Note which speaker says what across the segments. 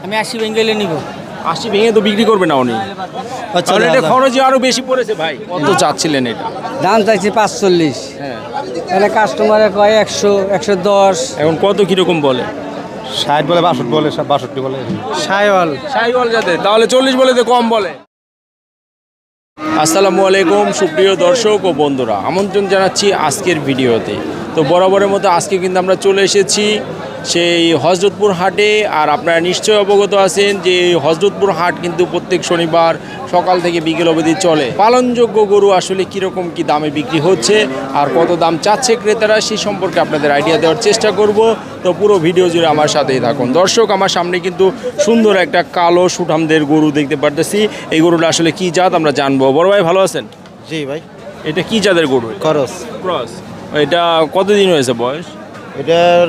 Speaker 1: আমি 80 বেঙ্গলে নিব।
Speaker 2: 80 ভেঙে তো বিক্রি করবে না উনি।
Speaker 1: আচ্ছা
Speaker 2: তাহলে এটা খরচই আরো বেশি পড়েছে ভাই। কত চাচ্ছিলেন এটা?
Speaker 1: দাম চাইছি 45।
Speaker 2: হ্যাঁ,
Speaker 1: এখানে কাস্টমারে কয় 100 110।
Speaker 2: এখন কত কিরকম বলে?
Speaker 3: 60 বলে 62 বলে 62 বলে
Speaker 2: শাহিওয়াল যাতে, তাহলে 40 বলে তো কম বলে। আসসালামু আলাইকুম সুপ্রিয় দর্শক ও বন্ধুরা, আমন্ত্রণ জানাচ্ছি আজকের ভিডিওতে। তো বরাবরের মতো আজকে কিন্তু আমরা চলে এসেছি সেই হযরতপুর হাটে। আর আপনারা নিশ্চয়ই অবগত আছেন যে এই হযরতপুর হাট কিন্তু প্রত্যেক শনিবার সকাল থেকে বিকেল অবধি চলে। পালনযোগ্য গরু আসলে কীরকম কী দামে বিক্রি হচ্ছে আর কত দাম চাচ্ছে ক্রেতারা, সেই সম্পর্কে আপনাদের আইডিয়া দেওয়ার চেষ্টা করব। তো পুরো ভিডিও জুড়ে আমার সাথেই থাকুন। দর্শক, আমার সামনে কিন্তু সুন্দর একটা কালো সুঠামদের গরু দেখতে পারতেছি। এই গরুটা আসলে কী জাত আমরা জানবো। বড় ভাই ভালো আছেন?
Speaker 3: জি ভাই।
Speaker 2: এটা কী জাতের গরু?
Speaker 3: খরচ।
Speaker 2: ক্রস। এটা কতদিন হয়েছে বয়স?
Speaker 3: এটার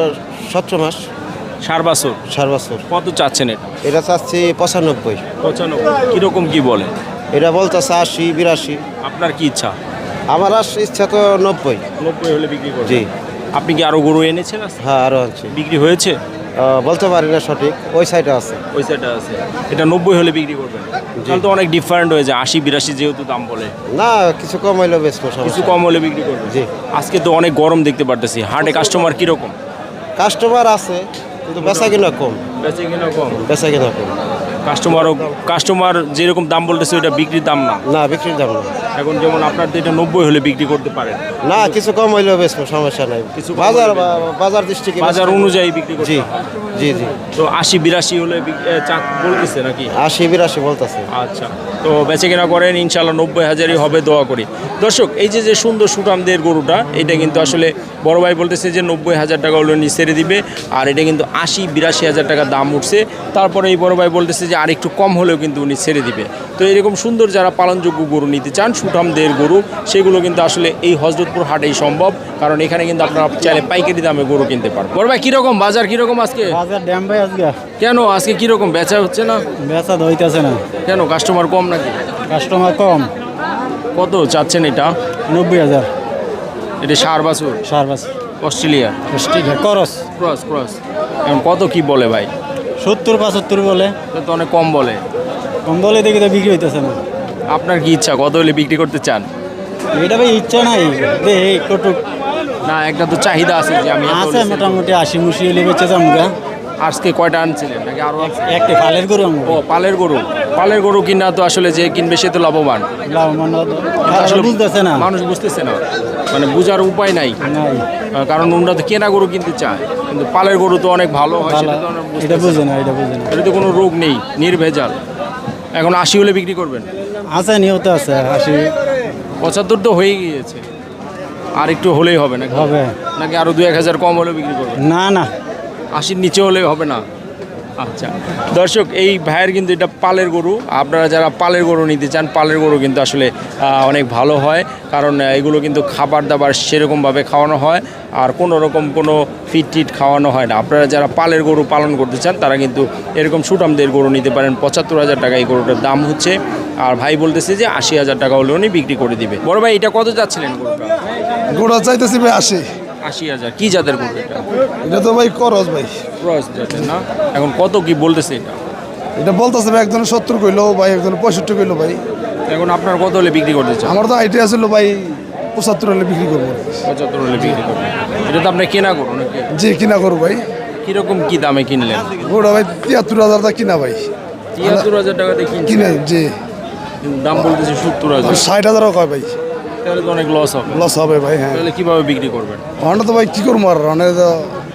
Speaker 3: 17 মাস।
Speaker 2: 4 বছর।
Speaker 3: 4 বছর।
Speaker 2: কত চাচ্ছেন এটা?
Speaker 3: এটা চাচ্ছি 95।
Speaker 2: 95। কীরকম কী বলে?
Speaker 3: এটা বলতেছে 80 82।
Speaker 2: আপনার কি ইচ্ছা?
Speaker 3: আমার ইচ্ছা তো 90।
Speaker 2: 90 হলে বিক্রি করবেন?
Speaker 3: জি।
Speaker 2: আপনি কি আরো গরু এনেছেন?
Speaker 3: হ্যাঁ, আরও আছে।
Speaker 2: বিক্রি হয়েছে?
Speaker 3: বলতে পারি না সঠিক, ওই সাইডে আছে।
Speaker 2: ওই সাইডটা আছে। এটা 90 হলে বিক্রি করবেন? তাহলে তো অনেক ডিফারেন্ট হয়ে যায়। 80 82 যেহেতু দাম বলে।
Speaker 3: না, কিছু কম হইলেও বেশ
Speaker 2: কিছু কম হলে বিক্রি করবেন?
Speaker 3: জি।
Speaker 2: আজকে তো অনেক গরম দেখতে পারতেছি। হাটে কাস্টমার কীরকম?
Speaker 3: কাস্টমার আছে কিন্তু বেচা কিনা কম।
Speaker 2: বেচে কিনা কম?
Speaker 3: বেচা কিনা কম।
Speaker 2: কাস্টমার যেরকম দাম বলতেছে ওইটা বিক্রির দাম না?
Speaker 3: না, বিক্রির দাম না।
Speaker 2: এখন যেমন আপনার তো এটা 90 হলে বিক্রি করতে পারেন?
Speaker 3: না, কিছু কম হইলেও বেশ সমস্যা নাই।
Speaker 2: কিছু
Speaker 3: বাজার দৃষ্টিকে
Speaker 2: বাজার অনুযায়ী বিক্রি করতে
Speaker 3: জি
Speaker 2: হয়।
Speaker 3: জি জি।
Speaker 2: তো 80 82 হলে বলতেছে নাকি?
Speaker 3: 80 82 বলতেছে।
Speaker 2: আচ্ছা, তো বেচে কেনা করেন ইনশাল্লাহ 90,000-ই হবে, দোয়া করি। দর্শক, এই যে সুন্দর সুঠামদের গরুটা, এটা কিন্তু আসলে বড় ভাই বলতেছে যে 90,000 টাকা হলে ছেড়ে দিবে। আর এটা কিন্তু 80-82,000 টাকা দাম উঠছে। তারপরে এই বড় ভাই বলতেছে যে আর একটু কম হলেও কিন্তু উনি ছেড়ে দিবে। তো এরকম সুন্দর যারা পালনযোগ্য গরু নিতে চান, সুঠামদের গরু, সেগুলো কিন্তু আসলে এই হযরতপুর হাটেই সম্ভব। কারণ এখানে কিন্তু আপনারা চাইলে পাইকারি দামে গরু কিনতে পারবেন। বড় ভাই কীরকম বাজার, কীরকম আজকে?
Speaker 1: বাজার ড্যাম ভাই আজকে।
Speaker 2: কেন আজকে কীরকম বেচা হচ্ছে না?
Speaker 1: বেচা হইতাছে না।
Speaker 2: কেন, কাস্টমার কম নাকি?
Speaker 1: কাস্টমার কম।
Speaker 2: কত চাচ্ছেন এটা?
Speaker 1: 90,000।
Speaker 2: এটা 4 বছর।
Speaker 1: 4 বছর।
Speaker 2: অস্ট্রেলিয়া
Speaker 1: খরচ।
Speaker 2: ক্রস। এখন কত কি বলে ভাই?
Speaker 1: 70 75 বলে।
Speaker 2: এটা তো অনেক কম বলে।
Speaker 1: কম বলে দেখি তো বিক্রি হইতেছে না।
Speaker 2: আপনার কি ইচ্ছা, কত হলে বিক্রি করতে চান?
Speaker 1: এটা ভাই ইচ্ছা নাই, দেখি কটুক
Speaker 2: না, একটা তো চাহিদা আছে যে আমি এত
Speaker 1: আছে।
Speaker 2: হলে sell
Speaker 1: মোটামুটি 80 মুশি হলে বেচে যাম গা।
Speaker 2: করব। আজকে কয়টা আনছিলেন নাকি আরো?
Speaker 1: একটা ফালের গরু আমি।
Speaker 2: ও, পালের গরু কিনা তো আসলে যে কিনবে সে তো লাভবান।
Speaker 1: আসলে বুঝতেছে না,
Speaker 2: মানুষ বুঝতেছে না, মানে বুঝার উপায় নাই।
Speaker 1: নাই।
Speaker 2: কারণ ওনারা তো কেনা গরু কিনতে চায়, কিন্তু পালের গরু তো অনেক ভালো হয়, সেটা তো ওনারা
Speaker 1: এটা
Speaker 2: বুঝতেছে
Speaker 1: বুঝে
Speaker 2: না।
Speaker 1: না, এটা বুঝে না।
Speaker 2: এটা তো কোনো রোগ নেই, নির্ভেজাল। এখন 80 হলে বিক্রি করবেন?
Speaker 1: আছে, নিয়ত আছে 80।
Speaker 2: 75 তো হয়ে গিয়েছে, আর একটু হলেই হবে নাকি?
Speaker 1: হবে
Speaker 2: নাকি আরো 2-1000 কম হলে বিক্রি করবেন?
Speaker 1: না না,
Speaker 2: 80-র নিচে হলেই হবে না? আচ্ছা দর্শক, এই ভাইয়ের কিন্তু এটা পালের গরু। আপনারা যারা পালের গরু নিতে চান, পালের গরু কিন্তু আসলে অনেক ভালো হয়। কারণ এগুলো কিন্তু খাবার দাবার সেরকমভাবে খাওয়ানো হয়, আর কোনো রকম কোনো ফিট খাওয়ানো হয় না। আপনারা যারা পালের গরু পালন করতে চান তারা কিন্তু এরকম সুঠামদের গরু নিতে পারেন। 75,000 টাকা এই গরুটার দাম হচ্ছে। আর ভাই বলতেছে যে 80,000 টাকা হলে উনি বিক্রি করে দিবে। বড় ভাই, এটা কত যাচ্ছিলেন গরুটা?
Speaker 4: গোড়া চাইতেছি ভাই
Speaker 2: 80,000। কি জাতের গরু এটা?
Speaker 4: এটা তো ভাই করস ভাই।
Speaker 2: ক্রস জাতের না? এখন কত কি বলতেছে এটা?
Speaker 4: এটা বলতেছে ভাই একজন 70 কইলো ভাই, একজন 65 কইলো ভাই।
Speaker 2: এখন আপনার কত হলে বিক্রি করতে চান?
Speaker 4: আমার তো আইডিয়া ছিল ভাই 75 হলে বিক্রি করবো।
Speaker 2: 75 হলে বিক্রি করবেন। এটা তো আপনি কেনা করুন নাকি?
Speaker 4: জি, কিনা করবো ভাই।
Speaker 2: কিরকম কি দামে কিনলেন?
Speaker 4: গোড়া ভাই 73,000 টাকা কিনা ভাই।
Speaker 2: 73,000 টাকা দিয়ে
Speaker 4: কিনে জি।
Speaker 2: দাম বলতেছে 70,000।
Speaker 4: 60,000 কয় ভাই।
Speaker 2: তাহলে তো অনেক লস হবে।
Speaker 4: লস হবে ভাই। হ্যাঁ,
Speaker 2: তাহলে কিভাবে বিক্রি করবেন?
Speaker 4: আমরা তো ভাই কি করবো, আর মানে তো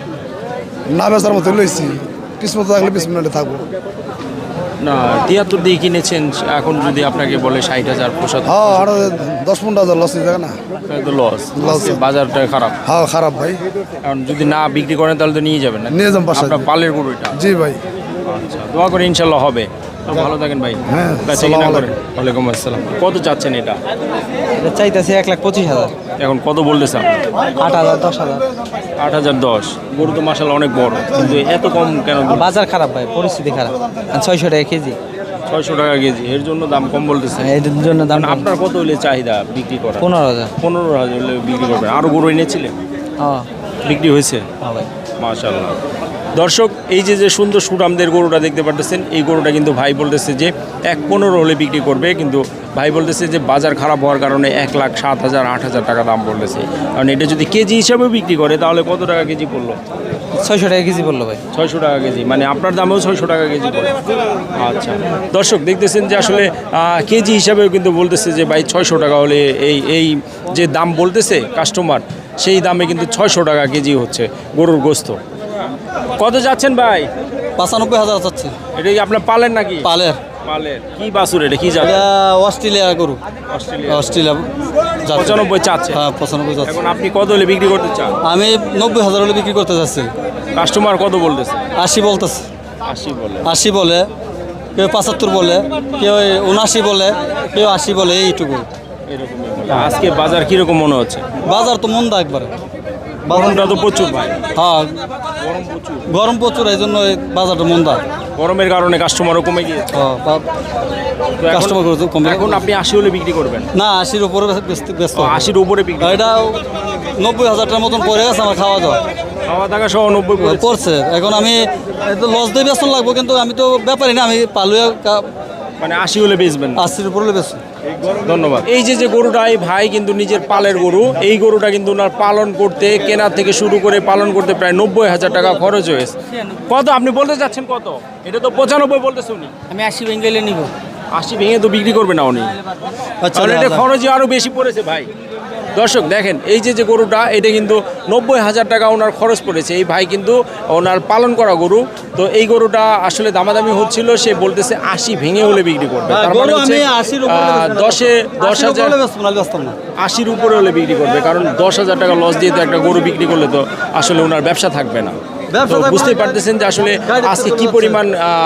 Speaker 4: না বেচার মতো লইছি। কিসমত থাকলে কিসমতে থাকবো।
Speaker 2: না, 73 দিয়ে কিনেছেন, এখন যদি আপনাকে বলে 60,000 75,
Speaker 4: হ্যাঁ, আর 10-15,000 লস হয়ে যাবে না?
Speaker 2: তাহলে তো লস।
Speaker 4: Loss।
Speaker 2: বাজারটা খারাপ।
Speaker 4: হ্যাঁ, খারাপ ভাই।
Speaker 2: কারণ যদি না বিক্রি করেন তাহলে তো নিয়ে যাবেন না?
Speaker 4: নিয়ে যান বাসায়।
Speaker 2: আপনার পালের গরু এটা?
Speaker 4: জি ভাই।
Speaker 2: আচ্ছা, দোয়া করে ইনশাল্লাহ হবে। তো ভালো থাকেন ভাই।
Speaker 4: হ্যাঁ,
Speaker 2: বেচা কিনা
Speaker 4: আসসালামু
Speaker 2: করেন। ওয়ালাইকুম আসসালাম। কত চাচ্ছেন এটা?
Speaker 1: এটা চাইতেছে 1,25,000।
Speaker 2: এখন কত বলতেছে?
Speaker 1: 8,000 10,000।
Speaker 2: 8,010। গরু তো মাশাআল্লাহ অনেক বড়, কিন্তু এত কম কেন?
Speaker 1: বাজার খারাপ ভাই, পরিস্থিতি খারাপ। 600 টাকা কেজি।
Speaker 2: 600 টাকা কেজি, এর জন্য দাম কম বলতেছে।
Speaker 1: এর জন্য দাম কম।
Speaker 2: আপনার কত হলে চাহিদা বিক্রি করা?
Speaker 1: 15,000।
Speaker 2: 15,000 হলে বিক্রি করবেন। আরো গরু এনেছিলেন?
Speaker 1: হ্যাঁ
Speaker 2: বিক্রি হয়েছে?
Speaker 1: হ্যাঁ ভাই।
Speaker 2: মাশাআল্লাহ। দর্শক এই যে সুন্দর সুঠামদের গরুটা দেখতে পাচ্ছেন, এই গরুটা কিন্তু ভাই বলতেছে যে 1.15 হলে বিক্রি করবে, কিন্তু ভাই বলতেছে যে বাজার খারাপ হওয়ার কারণে 1,07,000 8,000 টাকা দাম বলতেছে। কারণ এটা যদি কেজি হিসাবে বিক্রি করে তাহলে কত টাকা কেজি পড়লো?
Speaker 1: 600 টাকা কেজি বললো ভাই।
Speaker 2: 600 টাকা কেজি, মানে আপনার দামেও 600 টাকা কেজি পড়ে। আচ্ছা দর্শক দেখতেছেন যে আসলে কেজি হিসাবেও কিন্তু বলতেছে যে ভাই 600 টাকা হলে এই যে দাম বলতেছে কাস্টমার, সেই দামে কিন্তু 600 টাকা কেজি হচ্ছে গরুর গোস্ত। কত যাচ্ছেন ভাই?
Speaker 1: 95,000 চাচ্ছে।
Speaker 2: এটা কি আপনার পালেন নাকি?
Speaker 1: পালের।
Speaker 2: পালের কি বাছুর, এটা কি জাত?
Speaker 1: এটা অস্ট্রেলিয়া গরু। অস্ট্রেলিয়া
Speaker 2: 95 চাচ্ছে।
Speaker 1: হ্যাঁ 95 চাচ্ছে।
Speaker 2: এখন আপনি কত হলে বিক্রি করতে চান?
Speaker 1: আমি 90,000 হলে বিক্রি করতে চাচ্ছি।
Speaker 2: কাস্টমার কত বলতেছে?
Speaker 1: 80 বলতেছে।
Speaker 2: 80 বলে।
Speaker 1: 80 বলে, কেউ 75 বলে, কেউ 79 বলে, কেউ 80 বলে, এইটুকু।
Speaker 2: এরকমই বলে। আজকে বাজার কিরকম মনে হচ্ছে?
Speaker 1: বাজার তো মন্দা একবারে।
Speaker 2: গরমটা তো প্রচুর ভাই।
Speaker 1: হ্যাঁ
Speaker 2: গরম প্রচুর।
Speaker 1: গরম প্রচুর, এই জন্য এই বাজারটা মন্দা।
Speaker 2: গরমের কারণে কাস্টমারও কমে গিয়েছে।
Speaker 1: কাস্টমার কমে।
Speaker 2: এখন আপনি 80 হলে বিক্রি করবেন?
Speaker 1: না 80-র উপরে ব্যস্ত।
Speaker 2: 80-র উপরে বিক্রি।
Speaker 1: এটা 90,000 টাকার মতন পড়ে গেছে আমার খাওয়া দাওয়া।
Speaker 2: খাওয়া দাওয়া সহ 90
Speaker 1: পড়ছে। এখন আমি লস দিয়ে বেতন লাগবো, কিন্তু আমি তো ব্যাপারই না, আমি পালুয়া
Speaker 2: মানে 80 হলে বেচবেন?
Speaker 1: 80-র উপরে বেচছি।
Speaker 2: ধন্যবাদ। এই যে গরুটা, এই ভাই কিন্তু নিজের পালের গরু, এই গরুটা কিন্তু ওনার পালন করতে, কেনার থেকে শুরু করে পালন করতে প্রায় 90,000 টাকা খরচ হয়েছে। কত আপনি বলতে চাচ্ছেন কত? এটা তো 95 বলতেছে উনি।
Speaker 1: আমি 80 বেঙ্গলে নিব।
Speaker 2: 80 ভেঙে তো বিক্রি করবে না উনি।
Speaker 1: আচ্ছা
Speaker 2: তাহলে এটা খরচই আরও বেশি পড়েছে ভাই। দর্শক দেখেন এই যে গরুটা, এটা কিন্তু 90,000 টাকা ওনার খরচ পড়েছে। এই ভাই কিন্তু ওনার পালন করা গরু। তো এই গরুটা আসলে দামাদামি হচ্ছিল, সে বলতেছে 80 ভেঙে হলে বিক্রি করবে। তার মানে হচ্ছে 10,000 80-র উপরে হলে বিক্রি করবে, কারণ 10,000 টাকা লস দিয়ে তো একটা গরু বিক্রি করলে তো আসলে ওনার ব্যবসা থাকবে না। তো বুঝতেই পারতেছেন যে আসলে আজকে কি পরিমাণ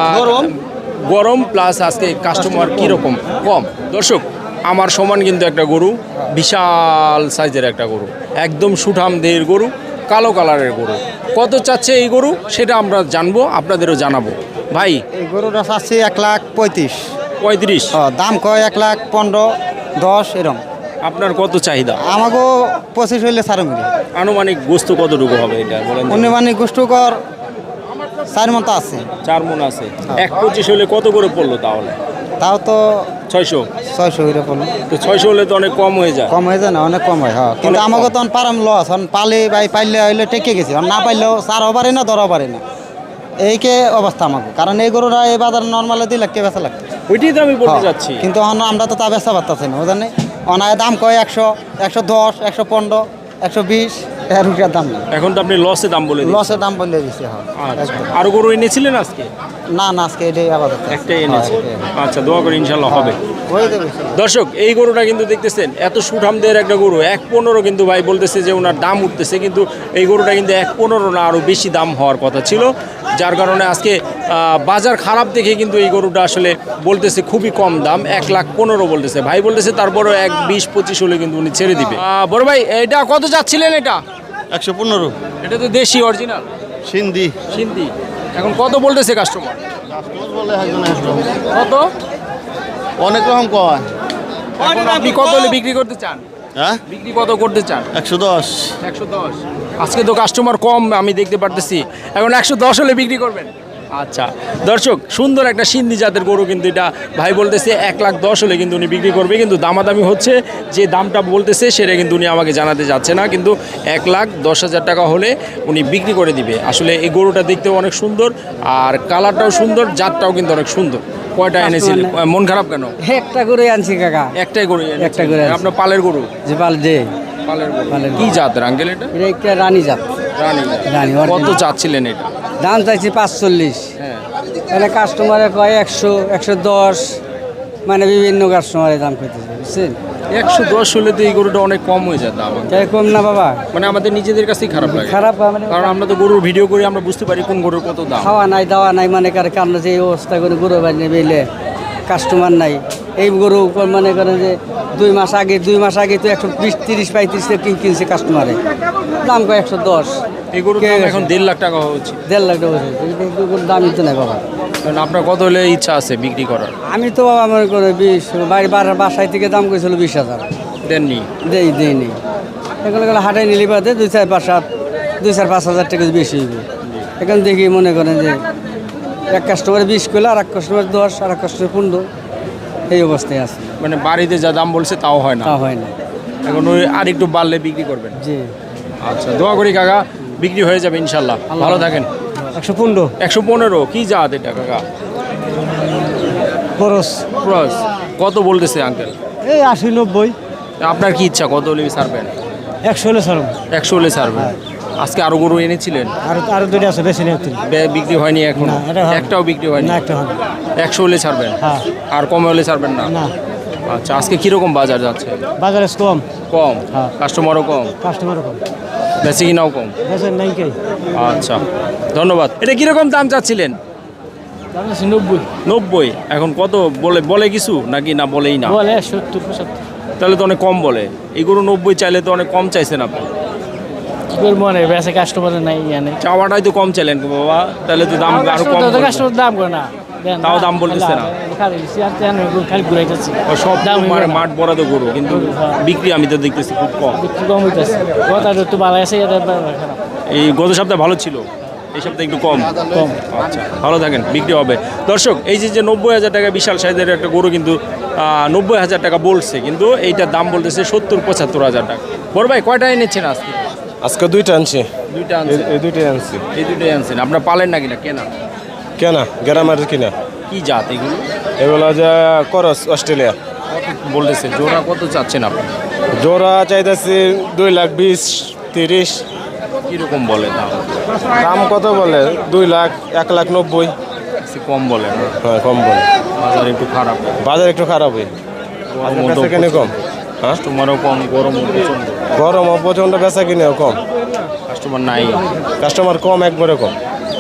Speaker 2: গরম, প্লাস আজকে কাস্টমার কীরকম কম। দর্শক আমার সমান কিন্তু একটা গরু, বিশাল সাইজের একটা গরু, একদম সুঠাম দেহের গরু, কালো কালারের গরু। কত চাচ্ছে এই গরু সেটা আমরা জানবো, আপনাদেরও জানাবো। ভাই
Speaker 3: এই গরুটা চাচ্ছি 1,35,000।
Speaker 2: 35?
Speaker 3: দাম কয় 1,15,10 এরকম।
Speaker 2: আপনার কত চাহিদা?
Speaker 3: আমাকেও 25 হইলে ছাড়ো মিলে।
Speaker 2: আনুমানিক গোস্ত কতটুকু হবে এটা বলেন?
Speaker 3: অনুমানিক গোষ্ঠকর 4 মন তো আছে।
Speaker 2: 4 মণ আছে। 1,25 হলে কত করে পড়লো তাহলে?
Speaker 3: তাও তো
Speaker 2: 600
Speaker 3: হইলে পড়লো।
Speaker 2: তো 600 হলে তো অনেক কম হয়ে যায়।
Speaker 3: কম হয়ে যায় না, অনেক কম হয়। হ্যাঁ, কিন্তু
Speaker 2: অনেক
Speaker 3: আমাকে
Speaker 2: কম।
Speaker 3: তখন পারাম লস, পালে পাইলে হইলে টেকে গেছি, না পাইলেও সারও পারি না, ধরাও পারি না, এইকে অবস্থা আমাকে। কারণ এই গরুরা এই বাজার নর্মালে 2 লাখ টাকা বেচা লাগতো।
Speaker 2: ওইটাই তো আমি বলতে যাচ্ছি।
Speaker 3: কিন্তু আমরা তো তা বেচা পারতেছি না, বুঝলেন? অনায় দাম কয় 100, 110, 115, 120, এর রুপিয়ার দাম নেই।
Speaker 2: এখন তো আপনি লসে দাম বলে দিচ্ছেন।
Speaker 3: লসের দাম বলে দিচ্ছে। হ্যাঁ
Speaker 2: আচ্ছা, আরো গরু এনেছিলেন আজকে?
Speaker 3: না আজকে এটাই আবার
Speaker 2: একটাই এনেছে। আচ্ছা, দোয়া করে ইনশাল্লাহ হবে।
Speaker 3: হয়ে যাবে।
Speaker 2: দর্শক এই গরুটা কিন্তু দেখতেছেন এত সুঠামদের একটা গরু, 1,15 কিন্তু ভাই বলতেছে যে ওনার দাম উঠতেছে, কিন্তু এই গরুটা কিন্তু 1,15 না, আরও বেশি দাম হওয়ার কথা ছিল, যার কারণে আজকে বাজার খারাপ দেখে কিন্তু এই গরুটা আসলে বলতেছে খুবই কম দাম, 1,15,000 বলতেছে ভাই, বলতেছে তারপরেও 1,20-25 হলে কিন্তু উনি ছেড়ে দিবে। বড় ভাই এটা কত যাচ্ছিলেন? এটা
Speaker 3: 115
Speaker 2: এটা তো দেশি অরিজিনাল
Speaker 3: সিন্ধি।
Speaker 2: সিন্ধি। এখন কত বলতেছে কাস্টমার? কত?
Speaker 3: অনেক রকম কয়।
Speaker 2: এখন আপনি কত হলে বিক্রি করতে চান?
Speaker 3: হ্যাঁ,
Speaker 2: বিক্রি কত করতে চান?
Speaker 3: 110।
Speaker 2: 110। আজকে তো কাস্টমার কম আমি দেখতে পারতেছি, এখন 110 হলে বিক্রি করবেন? আচ্ছা দর্শক, সুন্দর একটা সিন্ধি জাতের গরু, কিন্তু এটা ভাই বলতেছে 1,10,000 হলে কিন্তু উনি বিক্রি করবে, কিন্তু দামাদামি হচ্ছে, যে দামটা বলতেছে সেটা কিন্তু উনি আমাকে জানাতে যাচ্ছে না, কিন্তু 1,10,000 টাকা হলে উনি বিক্রি করে দিবে। আসলে এই গরুটা দেখতেও অনেক সুন্দর, আর কালারটাও সুন্দর, জাতটাও কিন্তু অনেক সুন্দর। কয়টা এনেছিলেন? মন খারাপ কেন?
Speaker 1: একটা করে আনছি কাকা।
Speaker 2: একটাই গরু?
Speaker 1: একটা করে আনছি।
Speaker 2: আপনার পালের গরু?
Speaker 1: যে পাল যে
Speaker 2: পালের গরু। কি জাতের আঙ্কেল এটা?
Speaker 1: এটা একটা রানী জাত।
Speaker 2: রানী।
Speaker 1: রানী।
Speaker 2: কত চাচ্ছিলেন এটা?
Speaker 1: দাম চাইছি 45।
Speaker 2: হ্যাঁ,
Speaker 1: এখানে কাস্টমারে কয় 100, 110, মানে বিভিন্ন কাস্টমারে দাম করতেছে, বুঝছেন?
Speaker 2: 110 হলে তো এই গরুটা অনেক কম হয়ে যায় দাম।
Speaker 1: তাই কম না বাবা?
Speaker 2: মানে আমাদের নিজেদের কাছেই খারাপ লাগে,
Speaker 1: খারাপ মানে
Speaker 2: কারণ আমরা তো গরুর ভিডিও করি, আমরা বুঝতে পারি কোন গরুর কত দাম।
Speaker 1: খাওয়া নাই দাওয়া নাই, মানে কারণ যে এই অবস্থা করে গরু বানিয়ে বেলে কাস্টমার নাই। এই গরু মনে করেন যে 2 মাস আগে তো 120-30-35 কিনছে কাস্টমারে, দাম কয় 110।
Speaker 2: এই গরুর দাম এখন 1.5 লাখ টাকা হচ্ছে।
Speaker 1: 1.5 লাখ টাকা হচ্ছে, গরুর দামই তো নাই বাবা।
Speaker 2: কারণ আপনার কত হলে ইচ্ছা আছে বিক্রি করার?
Speaker 1: আমি তো বাবা মনে করে 20, বাসায় থেকে দাম করেছিল 20,000,
Speaker 2: দেননি?
Speaker 1: দেয়নি। এগুলো হাটে নিলে বাদে 2-4-5 হাজার টাকা বেশি হইবে। এখন দেখি মনে করেন যে এক কাস্টমার 20 করলে আর এক কাস্টমার 10 আর এক কাস্টমার 15 এই অবস্থায় আছে।
Speaker 2: মানে বাড়িতে যা দাম বলছে তাও হয় না,
Speaker 1: তা হয় না।
Speaker 2: এখন ওই আর একটু বাড়লে বিক্রি করবেন।
Speaker 1: জি
Speaker 2: আচ্ছা, দোয়া করি কাকা বিক্রি হয়ে যাবে ইনশাল্লাহ। ভালো থাকেন।
Speaker 1: 115
Speaker 2: 115 কি জাত এটা কাকা?
Speaker 1: খরচ
Speaker 2: ক্রস কত বলতেছে আঙ্কেল?
Speaker 1: এই 80 90।
Speaker 2: আপনার কি ইচ্ছা, কত হলে ছাড়বেন?
Speaker 1: 100 হলে ছাড়ব।
Speaker 2: 100 হলে ছাড়বেন। আজকে আরো গরু এনেছিলেন?
Speaker 1: আর দুটো আছে, বেশি নেই।
Speaker 2: বিক্রি হয়নি এখন?
Speaker 1: না, এটা হবে।
Speaker 2: একটাও বিক্রি হয়নি?
Speaker 1: না, একটা হবে।
Speaker 2: 100 হলে ছাড়বেন?
Speaker 1: হ্যাঁ।
Speaker 2: আর কমে হলে ছাড়বেন না?
Speaker 1: না,
Speaker 2: আচ্ছা, আজকে কিরকম বাজার যাচ্ছে?
Speaker 1: বাজারে কম।
Speaker 2: কম?
Speaker 1: হ্যাঁ।
Speaker 2: কাস্টমারও কম?
Speaker 1: কাস্টমারও কম,
Speaker 2: বেশি কিনাও কম?
Speaker 1: বেচার নাই কে।
Speaker 2: আচ্ছা, ধন্যবাদ। এটা কিরকম দাম চাচ্ছিলেন?
Speaker 1: দাম আছে 90।
Speaker 2: 90? এখন কত বলে কিছু নাকি না বলেই না?
Speaker 1: বলে 70 75।
Speaker 2: তাহলে তো অনেক কম বলে। এই গরু 90 চাইলে তো অনেক কম চাইছেন আপনি।
Speaker 1: কি করব, মানে বেচে কাস্টমার নাই জানে।
Speaker 2: চাওয়াটাই তো কম চাইলেন গো বাবা, তাহলে তো দাম আরো কম বলবেন।
Speaker 1: কাস্টমার দাম করে না,
Speaker 2: তাও দাম বলতেছে না।
Speaker 1: খালি ঘুরাইতেছি।
Speaker 2: ও সব
Speaker 1: দাম
Speaker 2: মানে মাঠ বরাদ গরু, কিন্তু বিক্রি আমি তো দেখতেছি খুব কম।
Speaker 1: একটু কম হইতেছে। কথা একটু ভালো আছে, এটা খারাপ।
Speaker 2: এই গত সপ্তাহে ভালো ছিল, এই সপ্তাহে একটু কম।
Speaker 1: কম।
Speaker 2: আচ্ছা, ভালো থাকেন, বিক্রি হবে। দর্শক, এই যে 90,000 টাকা বিশাল সাইজের একটা গরু কিন্তু 90,000 টাকা বলছে, কিন্তু এইটার দাম বলতেছে 70-75,000 টাকা। বড় ভাই কয়টা এনেছেন আজকে?
Speaker 5: আজকে দুইটা আনছি।
Speaker 2: দুইটা আনছেন?
Speaker 5: এই দুইটাই আনছি।
Speaker 2: এই দুইটাই আনছেন। আপনার পালেন নাকি না কেনা?
Speaker 5: কেনা গ্রামের কিনা।
Speaker 2: কি জাত এগুলো?
Speaker 5: এগুলো যে করস অস্ট্রেলিয়া।
Speaker 2: কত বলতেছে জোড়া, কত চাচ্ছেন আপনি?
Speaker 5: জোড়া চাইতেছি 2,20,000 30।
Speaker 2: কীরকম বলে দাম?
Speaker 5: দাম কত বলে? 2,00,000 1,90,000।
Speaker 2: একটু কম বলে না?
Speaker 5: হ্যাঁ, কম বলে।
Speaker 2: বাজার একটু খারাপ,
Speaker 5: বাজার একটু খারাপ হয়।
Speaker 2: গরমও
Speaker 5: বেচা কিনে কম। হ্যাঁ,
Speaker 2: কাস্টমারও কম, গরমও প্রচণ্ড,
Speaker 5: গরম প্রচণ্ড, বেচা কিনেও কম।
Speaker 2: কাস্টমার নাই।
Speaker 5: কাস্টমার কম, একবারে কম।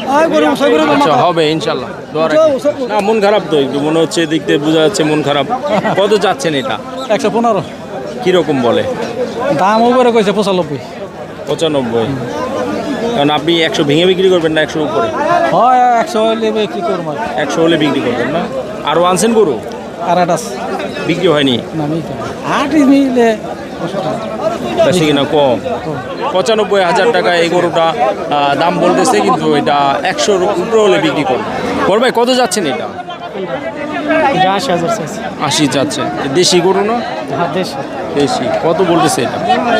Speaker 2: আচ্ছা, হবে ইনশাল্লাহ, দোয়া রাখি। না, মন খারাপ তো একটু, মনে হচ্ছে দেখতে বোঝা যাচ্ছে মন খারাপ। কত চাচ্ছেন এটা?
Speaker 1: 115।
Speaker 2: কীরকম বলে
Speaker 1: দাম উপরে কইছে 95।
Speaker 2: 95? কারণ আপনি 100 ভেঙে বিক্রি করবেন না 100 উপরে?
Speaker 1: হয় 100 হলে কি করব?
Speaker 2: 100 হলে বিক্রি করবেন না? আরও আনছেন গরু?
Speaker 1: আর আটাস
Speaker 2: বিক্রি হয়নি?
Speaker 1: নামি 8 মিলে
Speaker 2: বেশি কিনা কম? 95,000 টাকা এই গরুটা দাম বলতেছে, কিন্তু এটা 100 উপরে হলে বিক্রি করবে। করবে কত যাচ্ছেন এটা?
Speaker 1: 80,000 চাইছে।
Speaker 2: 80 যাচ্ছেন। দেশি গরু না?
Speaker 1: হ্যাঁ,
Speaker 2: দেশি। কত বলতেছে এটা?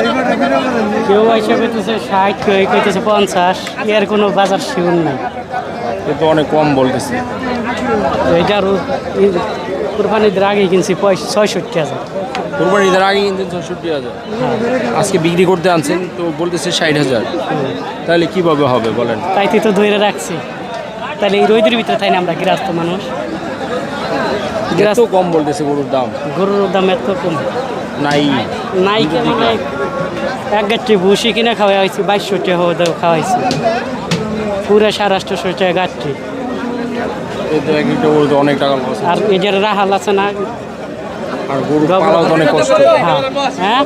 Speaker 1: কেউ এসে কইতেছে 60, কেউ কইতেছে 50। এর কোনো বাজার শিউর নাই।
Speaker 2: এ তো অনেক কম বলতেছে।
Speaker 1: এইটার কুরবানির আগে কিনছি 65,000।
Speaker 2: কোরবানি ঈদের আগে কিনছেন 66,000, আজকে বিক্রি করতে আনছেন তো বলতেছে 60,000। তাহলে কিভাবে হবে বলেন?
Speaker 1: তাইতে তো ধরে রাখছি। তাহলে এই রোদের ভিতরে তাই না আমরা গৃহস্থ মানুষ।
Speaker 2: এত কম বলতেছে গরুর দাম?
Speaker 1: গরুর দাম এত কম
Speaker 2: নাই।
Speaker 1: নাই কেন নাই? এক গাছটি ভুসি কিনে খাওয়া হয়েছে 2200 টাকা খাওয়াইছি, পুরো 850 টাকা গাছটি।
Speaker 2: এই তো এক একটা গরু তো অনেক টাকা লস।
Speaker 1: আর এটার রাহাল আছে না,
Speaker 2: আর গরু পালাও তো অনেক কষ্ট।
Speaker 1: হ্যাঁ,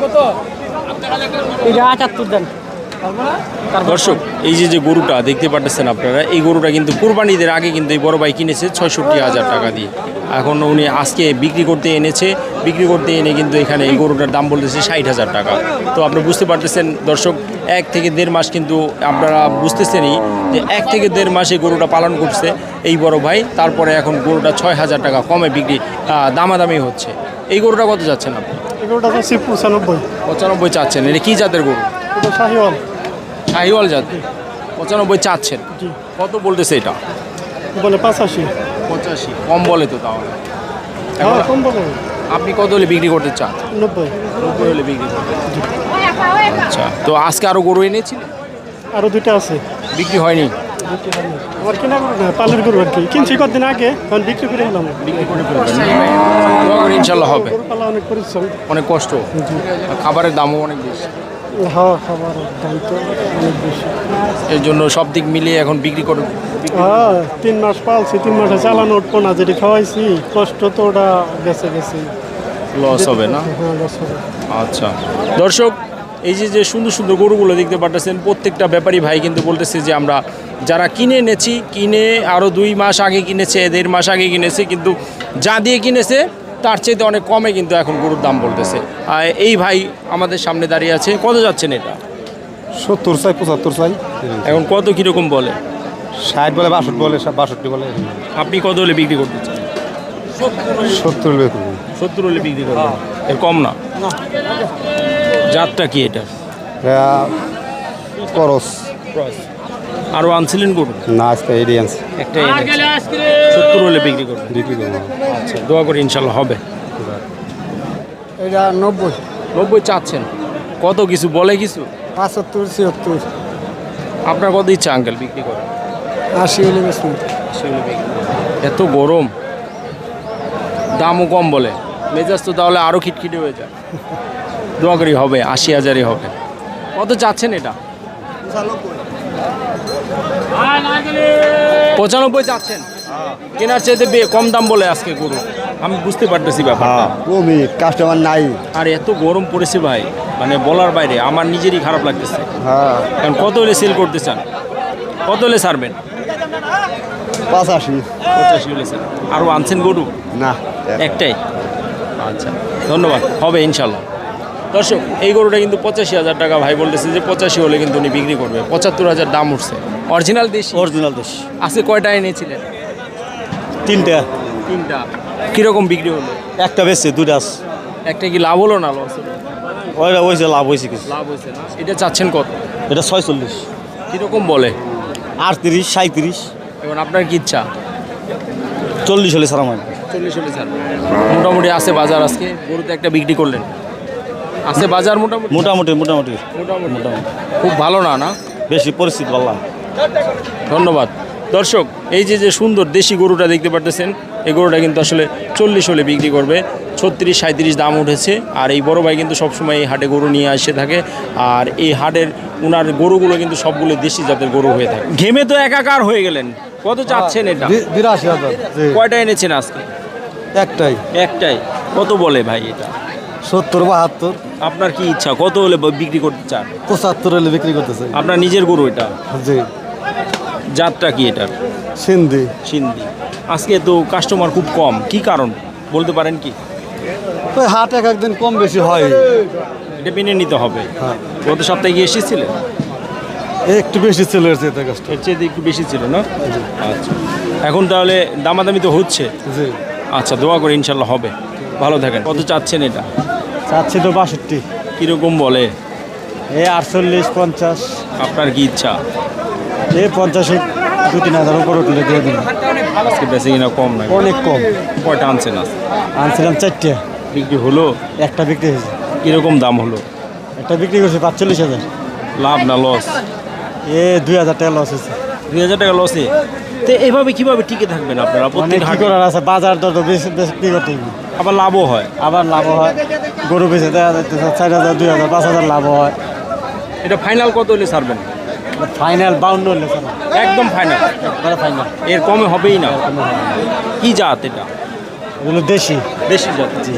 Speaker 1: এটা 78 দেন।
Speaker 2: দর্শক, এই যে গরুটা দেখতে পাচ্ছেন আপনারা, এই গরুটা কিন্তু কুরবানিদের আগে কিন্তু এই বড় ভাই কিনেছে 66,000 টাকা দিয়ে। এখন উনি আজকে বিক্রি করতে এনেছে, বিক্রি করতে এনে কিন্তু এখানে এই গরুটার দাম বলতেছে 60,000 টাকা। তো আপনি বুঝতে পারতেছেন দর্শক, 1 থেকে 1.5 মাস কিন্তু আপনারা বুঝতেছেনই যে 1 থেকে 1.5 মাস এই গরুটা পালন করছে এই বড় ভাই। তারপরে এখন গরুটা 6,000 টাকা কমে বিক্রি দামাদামি হচ্ছে। এই গরুটা কত যাচ্ছেন আপনি?
Speaker 6: এগুলোটা হচ্ছে 95।
Speaker 2: 95 চাচ্ছেন। এটা কি জাতের গরু?
Speaker 6: এটা শাহিওয়াল।
Speaker 2: শাহিওয়াল জাত? 95 চাচ্ছেন? কত বলতেছে এটা?
Speaker 6: বলে 85।
Speaker 2: 85? কম বলে তো তাহলে।
Speaker 6: হ্যাঁ, কম বলে।
Speaker 2: আপনি কত হলে বিক্রি করতে চান?
Speaker 6: 90।
Speaker 2: 90 হলে বিক্রি করতে। আচ্ছা, তো আজকে আরও গরু এনেছিলেন?
Speaker 6: আরও দুইটা আছে,
Speaker 2: বিক্রি হয়নি?
Speaker 6: আমার কেনা গরু না, পালের গরু আর কি। কিনছি কদিন আগে, এখন বিক্রি করে এলাম।
Speaker 2: বিক্রি করে ফেলবেন? দোয়া করি ইনশাল্লাহ হবে।
Speaker 6: গরু পালা অনেক পরিশ্রম।
Speaker 2: অনেক কষ্ট, খাবারের দামও অনেক বেশি,
Speaker 6: হ্যাঁ, খাবার দাম তো অনেক বেশি।
Speaker 2: এর জন্য সব দিক মিলিয়ে এখন বিক্রি করে।
Speaker 6: হ্যাঁ, 3 মাস পালছি, 3 মাসে চালানো উঠবো না। যেটি খাওয়াইছি কষ্ট তো ওটা গেছে।
Speaker 2: লস হবে না?
Speaker 6: হ্যাঁ, লস হবে।
Speaker 2: আচ্ছা দর্শক, এই যে সুন্দর সুন্দর গরুগুলো দেখতে পাচ্ছেন, প্রত্যেকটা ব্যাপারী ভাই কিন্তু বলতেছে যে আমরা যারা কিনে এনেছি, কিনে আরও 2 মাস আগে কিনেছে, 1.5 মাস আগে কিনেছে, কিন্তু যা দিয়ে কিনেছে তার চাইতে অনেক কমে কিন্তু এখন গরুর দাম বলতেছে। আর এই ভাই আমাদের সামনে দাঁড়িয়ে আছে। কত যাচ্ছেন এটা?
Speaker 5: 70 চাই 75 চাই
Speaker 2: এখন কত কীরকম বলে?
Speaker 5: 60 বলে 62 বলে 62 বলে
Speaker 2: আপনি কত হলে বিক্রি করতে চান?
Speaker 5: 70 হলে করবো।
Speaker 2: 70 হলে বিক্রি করবেন, এর কম না? জাতটা কি এটা?
Speaker 5: করস
Speaker 2: আরও আনছিলেন গরু?
Speaker 5: না আজকে এরিয়ান্স
Speaker 2: একটা 70 হলে বিক্রি করবেন।
Speaker 5: বিক্রি করবো।
Speaker 2: আচ্ছা, দোয়া করি ইনশাল্লাহ হবে।
Speaker 6: এটা 90,
Speaker 2: 90 চাচ্ছেন, কত কিছু বলে কিছু?
Speaker 6: 75, 76,
Speaker 2: আপনার কত ইচ্ছা আঙ্কেল বিক্রি করে?
Speaker 6: 80 হলে বেশি।
Speaker 2: এত গরম, দামও কম বলে, মেজাজ তো তাহলে আরও খিটখিটে হয়ে যায়। দোয়া করি হবে, 80,000-ই হবে। কত চাচ্ছেন এটা? 95 চাচ্ছেন? কেনার চাইতে কম দাম বলে আজকে গরু, আমি বুঝতে পারতেছি ব্যাপারটা।
Speaker 3: কমই কাস্টমার নাই।
Speaker 2: আর এত গরম পড়েছে ভাই, মানে বলার বাইরে, আমার নিজেরই খারাপ লাগতেছে।
Speaker 3: হ্যাঁ
Speaker 2: কারণ কত হলে সেল করতে চান? কত হলে ছাড়বেন?
Speaker 3: 85
Speaker 2: 85 হলে স্যার। আরও আনছেন গরু?
Speaker 3: না
Speaker 2: একটাই? আচ্ছা, ধন্যবাদ, হবে ইনশাল্লাহ। দর্শক, এই গরুটা কিন্তু 85,000 টাকা ভাই বলতেছে যে 85 হলে কিন্তু উনি বিক্রি করবে। 75,000 দাম উঠছে। অরিজিনাল দেশ?
Speaker 3: অরিজিনাল দেশ।
Speaker 2: আজকে কয়টা এনেছিলেন?
Speaker 3: 3টা।
Speaker 2: 3টা। কীরকম বিক্রি হলো?
Speaker 3: একটা বেশি 2টা আছে।
Speaker 2: একটা কি লাভ হলো না লস?
Speaker 3: ওইটা হয়েছে লাভ হয়েছে কিছু।
Speaker 2: লাভ হয়েছে না? এটা চাচ্ছেন কত?
Speaker 3: এটা 46,
Speaker 2: কীরকম বলে?
Speaker 3: 38, 37,
Speaker 2: এবং আপনার কি ইচ্ছা?
Speaker 3: 40 হলে সারা মানে
Speaker 2: 40 হলে স্যার। মোটামুটি আছে বাজার আজকে, গরুতে একটা বিক্রি করলেন, আছে বাজার মোটামুটি?
Speaker 3: মোটামুটি মোটামুটি
Speaker 2: মোটামুটি খুব ভালো না, না
Speaker 3: বেশি পরিস্থিতি বললাম।
Speaker 2: ধন্যবাদ। দর্শক, এই যে যে সুন্দর দেশি গরুটা দেখতে পারতেছেন, এই গরুটা কিন্তু আসলে 40 হলে বিক্রি করবে। 36, 37 দাম উঠেছে। আর এই বড় ভাই কিন্তু সবসময় এই হাটে গরু নিয়ে আসে থাকে। আর এই হাটের উনার গরুগুলো কিন্তু সবগুলো দেশি জাতের গরু হয়ে থাকে। ঘেমে তো একাকার হয়ে গেলেন, কত চাচ্ছেন এটা?
Speaker 3: 82,000।
Speaker 2: কয়টা এনেছেন আজকে?
Speaker 3: একটাই।
Speaker 2: একটাই। কত বলে ভাই এটা?
Speaker 3: 70, 72,
Speaker 2: আপনার কি ইচ্ছা, কত হলে বিক্রি করতে চান?
Speaker 3: 75 হলে বিক্রি করতেছে।
Speaker 2: আপনার নিজের গরু এটা?
Speaker 3: জি।
Speaker 2: জাতটা কি এটা?
Speaker 3: সিন্ধি।
Speaker 2: সিন্ধি। আজকে তো কাস্টমার খুব কম, কি কারণ বলতে পারেন কি?
Speaker 3: ওই হাট এক একদিন কম বেশি হয়।
Speaker 2: এটা মেনে নিতে হবে।
Speaker 3: হ্যাঁ
Speaker 2: গত সপ্তাহে গিয়ে এসেছিলেন?
Speaker 3: একটু বেশি চলে এসেছে এটা কাস্ট।
Speaker 2: এর চেয়ে একটু বেশি ছিল না? আচ্ছা, এখন তাহলে দামাদামি তো হচ্ছে।
Speaker 3: জি।
Speaker 2: আচ্ছা, দোয়া করে ইনশাল্লাহ হবে। ভালো থাকেন। কত চাচ্ছেন এটা?
Speaker 3: চাচ্ছি তো 62।
Speaker 2: কীরকম বলে?
Speaker 3: এই 48, 50।
Speaker 2: আপনার কি ইচ্ছা?
Speaker 3: এই 50-এ 2-3 উপর উঠলে দিয়ে দিন।
Speaker 2: আজকে বেশি কিনা কম না?
Speaker 3: অনেক কম।
Speaker 2: কয়টা আনছেন আজ?
Speaker 3: আনছিলাম 4টে,
Speaker 2: বিক্রি হলো?
Speaker 3: একটা বিক্রি হয়েছে।
Speaker 2: কীরকম দাম হলো?
Speaker 3: একটা বিক্রি করছে 45,000।
Speaker 2: লাভ না লস?
Speaker 3: 2,000 টাকা লস হয়েছে।
Speaker 2: 2,000 টাকা লসে? তো এইভাবে কিভাবে টিকে থাকবেন আপনারা?
Speaker 3: অনেক
Speaker 2: প্রত্যেক
Speaker 3: কি
Speaker 2: হাটে
Speaker 3: করার আছে, বাজার দর তো বেশি বেশি কি করতে হবে।
Speaker 2: আবার লাভও হয়।
Speaker 3: আবার লাভ হয়, গরু বেঁচে দেওয়া যাইতেছে 4,000, 2,000, 5,000 লাভ হয়।
Speaker 2: এটা ফাইনাল কত হলে ছাড়বেন?
Speaker 3: ফাইনাল 52 হলে স্যার,
Speaker 2: একদম ফাইনাল?
Speaker 3: একবারে ফাইনাল।
Speaker 2: এর কমে হবেই না? কি জাত এটা?
Speaker 3: এগুলো দেশি।
Speaker 2: দেশি জাত? জি।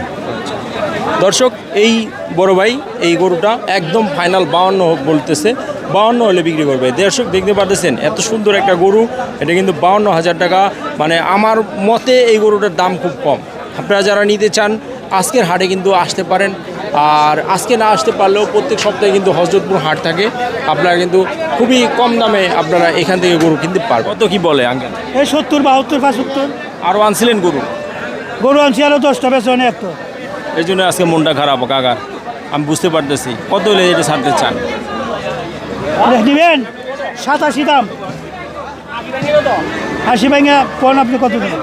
Speaker 2: দর্শক, এই বড় ভাই এই গরুটা একদম ফাইনাল 52 বলতেছে। 52 হলে বিক্রি করবে। দর্শক, দেখতে পারতেছেন এত সুন্দর একটা গরু, এটা কিন্তু 52,000 টাকা। মানে আমার মতে এই গরুটার দাম খুব কম। আপনারা যারা নিতে চান আজকের হাটে কিন্তু আসতে পারেন। আর আজকে না আসতে পারলেও প্রত্যেক সপ্তাহে কিন্তু হযরতপুর হাট থাকে। আপনারা কিন্তু খুবই কম দামে আপনারা এখান থেকে গরু কিনতে পারবেন। কত কি বলে আঙ্কেল?
Speaker 6: এই 70, 72, 75
Speaker 2: আরও আনছিলেন গরু?
Speaker 6: গরু আনছি, আরও 10টা বেচনে একটা।
Speaker 2: এই জন্য আজকে মনটা খারাপ কাকার, আমি বুঝতে পারতেছি। কত হলে এটা ছাড়তে চান?
Speaker 6: নেবেন 87 দাম। 80 ভাঙা কোন আপনি কত দেবেন?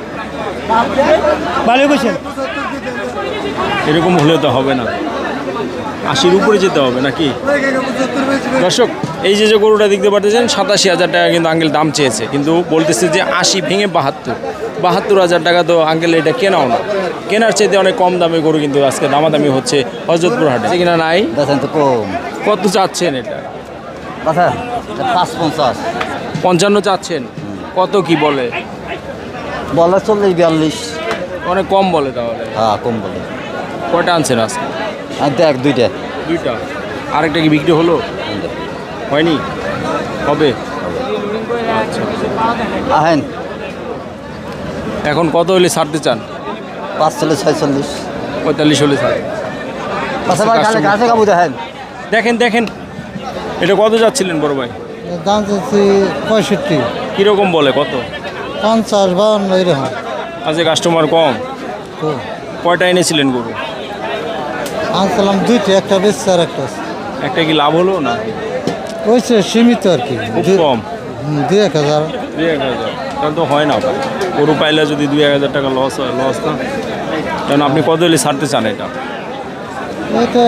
Speaker 6: ভালো কইছেন।
Speaker 2: এরকম হলে তো হবে না, 80-র উপরে যেতে হবে নাকি? দর্শক, এই যে গরুটা দেখতে পাচ্ছেন 87,000 টাকা কিন্তু আঙ্কেল দাম চেয়েছে, কিন্তু বলতেছে যে 80 ভেঙে 72,000 টাকা। তো আঙ্কেল এটা কেনাও না, কেনার চাইতে অনেক কম দামে গরু কিন্তু আজকে দামাদামি হচ্ছে হযরতপুর হাটে। কিনা নাই?
Speaker 3: দেখেন তো কম।
Speaker 2: কত চাচ্ছেন এটা?
Speaker 3: কথা 550।
Speaker 2: 55 চাচ্ছেন? কত কি বলে?
Speaker 3: বলে 40, 42।
Speaker 2: অনেক কম বলে তাহলে।
Speaker 3: হ্যাঁ কম বলে।
Speaker 2: কয়টা আনছেন আজকে?
Speaker 3: আর দেখ 2টা।
Speaker 2: 2টা। আরেকটা কি বিক্রি হলো? হয়নি? হবে? আচ্ছা,
Speaker 3: আহেন
Speaker 2: এখন কত হলে ছাড়তে চান?
Speaker 3: 45, 46।
Speaker 2: 45 হলে ছাড়ে।
Speaker 3: গাছে গাবু দেখেন।
Speaker 2: দেখেন দেখেন, এটা কত যাচ্ছিলেন বড় ভাই?
Speaker 3: দাম চাচ্ছি 65,
Speaker 2: কীরকম বলে কত?
Speaker 3: 50, 52 এরকম।
Speaker 2: আজকে কাস্টমার কম। কয়টা এনেছিলেন গরু?
Speaker 3: আনছিলাম 2টা, একটা বেচছে আর একটা আছে।
Speaker 2: একটা কি লাভ হলো না?
Speaker 3: হয়েছে সীমিত আর কি,
Speaker 2: খুব কম।
Speaker 3: 2-1000।
Speaker 2: 2-1000 তাহলে তো হয় না ভাই। গরু পাইলে যদি 2-1000 টাকা লস হয়, লস না। কারণ আপনি কত হলে ছাড়তে চান এটা?
Speaker 3: এটা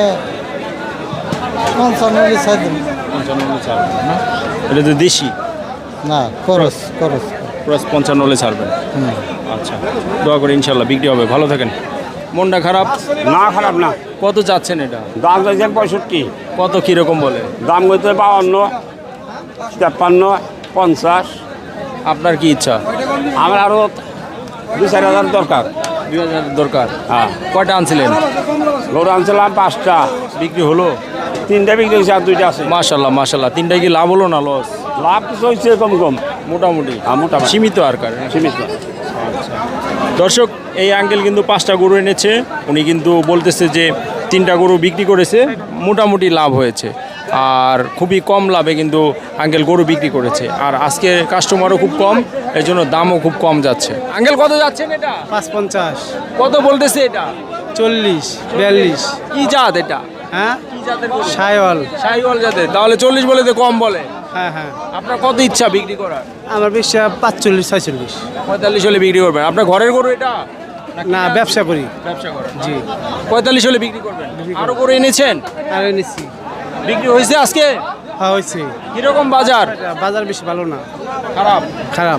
Speaker 3: 55 ছাড় দেন।
Speaker 2: 55 হলে ছাড়বেন না? এটা তো দেশি,
Speaker 3: না খরচ খরচ।
Speaker 2: প্লাস 55 হলে ছাড়বেন। আচ্ছা, দোয়া করে ইনশাল্লাহ বিক্রি হবে। ভালো থাকেন। মনটা খারাপ?
Speaker 7: না খারাপ না,
Speaker 2: কত চাচ্ছেন এটা?
Speaker 7: দাম চাইছেন 65,
Speaker 2: কত কীরকম বলে?
Speaker 7: দাম হইতে 52, 53, 50।
Speaker 2: আপনার কি ইচ্ছা?
Speaker 7: আমার আরো 2-4 হাজার দরকার।
Speaker 2: 2000 দরকার।
Speaker 7: হ্যাঁ,
Speaker 2: কয়টা আনছিলেন?
Speaker 7: গরু আনছিলাম 5টা,
Speaker 2: বিক্রি হলো?
Speaker 7: 3টা বিক্রি হয়েছে আর 2টা আছে।
Speaker 2: মাশাল্লাহ মাশাল্লাহ। 3টায় কি লাভ হলো না লস?
Speaker 7: লাভ কিছু হয়েছে কম কম,
Speaker 2: মোটামুটি
Speaker 7: মোটামুটি।
Speaker 2: সীমিত আর কার।
Speaker 7: সীমিত।
Speaker 2: দর্শক, এই আঙ্কেল কিন্তু 5টা গরু এনেছে। উনি কিন্তু বলতেছে যে 3টা গরু বিক্রি করেছে, মোটামুটি লাভ হয়েছে। আর খুবই কম লাভে কিন্তু আঙ্কেল গরু বিক্রি করেছে। আর আজকে কাস্টমারও খুব কম, এই জন্য দামও খুব কম যাচ্ছে। আঙ্কেল কত যাচ্ছেন এটা?
Speaker 6: 55,
Speaker 2: কত বলতেছে এটা?
Speaker 6: 40, 42।
Speaker 2: কি জাত এটা?
Speaker 6: হ্যাঁ,
Speaker 2: কি জাতের গরু?
Speaker 6: সাইওয়াল।
Speaker 2: শাহিওয়াল জাতের। তাহলে 40 বলে তো কম বলে।
Speaker 6: হ্যাঁ হ্যাঁ,
Speaker 2: আপনার কত ইচ্ছা বিক্রি করার?
Speaker 6: আমার বেশি 45, 46।
Speaker 2: 45 হলে বিক্রি করবেন। আপনার ঘরের গরু এটা?
Speaker 6: না, ব্যবসা করি।
Speaker 2: ব্যবসা করেন?
Speaker 6: জি।
Speaker 2: 45 হলে বিক্রি করবেন। আরো গরু এনেছেন?
Speaker 6: আর এনেছি।
Speaker 2: বিক্রি হয়েছে আজকে?
Speaker 6: হ্যাঁ হয়েছে।
Speaker 2: কিরকম বাজার?
Speaker 6: বাজার বেশি ভালো না,
Speaker 2: খারাপ।
Speaker 6: খারাপ।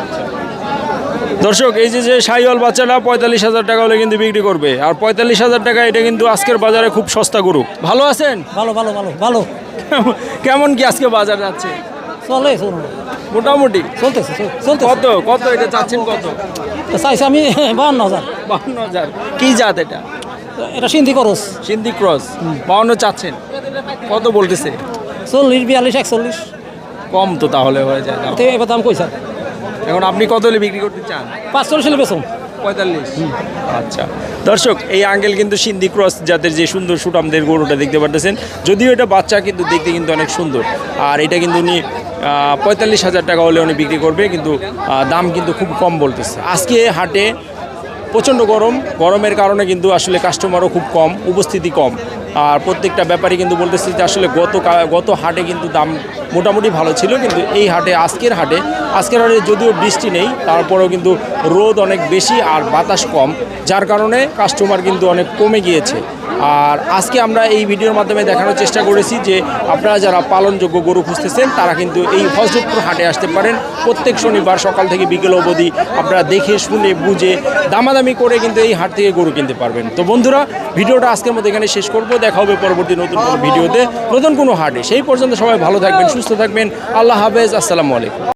Speaker 2: দর্শক, এই যে শাহিওয়াল বাচ্চাটা 45,000 টাকা হলে কিন্তু বিক্রি করবে। আর 45,000 টাকা এটা কিন্তু আজকের বাজারে খুব সস্তা গরু। ভালো আছেন?
Speaker 8: ভালো ভালো ভালো ভালো
Speaker 2: কেমন কি আজকে বাজার যাচ্ছে?
Speaker 8: চলে চলুন,
Speaker 2: মোটামুটি
Speaker 8: চলতেছে চলতেছে।
Speaker 2: কত কত এটা চাচ্ছেন কত?
Speaker 8: তো চাইছি আমি 52,000।
Speaker 2: 52,000। কি জাত এটা?
Speaker 8: এটা সিন্ধি খরচ।
Speaker 2: সিন্ধি ক্রস। 52 চাচ্ছেন, কত বলতেছে?
Speaker 8: 40, 42, 41।
Speaker 2: কম তো তাহলে হয়ে যায় দাম।
Speaker 8: তো এবার দাম কইছা
Speaker 2: এখন আপনি কত হলে বিক্রি করতে চান?
Speaker 8: 45 হলে বেচুন।
Speaker 2: 45। আচ্ছা দর্শক, এই আঙ্কেল কিন্তু সিন্ধি ক্রস জাতের যে সুন্দর সুটামদের গরুটা দেখতে পারতেছেন, যদিও এটা বাচ্চা কিন্তু দেখতে কিন্তু অনেক সুন্দর। আর এটা কিন্তু উনি 45,000 টাকা হলে উনি বিক্রি করবে, কিন্তু দাম কিন্তু খুব কম বলতেছে। আজকে হাটে প্রচণ্ড গরমের কারণে কিন্তু আসলে কাস্টমারও খুব কম, উপস্থিতি কম। আর প্রত্যেকটা ব্যাপারই কিন্তু বলতেছে যে আসলে গত হাটে কিন্তু দাম মোটামুটি ভালো ছিল, কিন্তু এই হাটে আজকের হাটে যদিও বৃষ্টি নেই, তারপরেও কিন্তু রোদ অনেক বেশি আর বাতাস কম, যার কারণে কাস্টমার কিন্তু অনেক কমে গিয়েছে। আর আজকে আমরা এই ভিডিওর মাধ্যমে দেখানোর চেষ্টা করেছি যে আপনারা যারা পালনযোগ্য গরু খুঁজতেছেন তারা কিন্তু এই হযরতপুর হাটে আসতে পারেন। প্রত্যেক শনিবার সকাল থেকে বিকেল অবধি আপনারা দেখে শুনে বুঝে দামাদামি করে কিন্তু এই হাট থেকে গরু কিনতে পারবেন। তো বন্ধুরা, ভিডিওটা আজকের মতো এখানে শেষ করব। দেখা হবে পরবর্তী নতুন কোনো ভিডিওতে, নতুন কোনো হাটে। সেই পর্যন্ত সবাই ভালো থাকবেন, সুস্থ থাকবেন। আল্লাহ হাফেজ, আসসালামু আলাইকুম।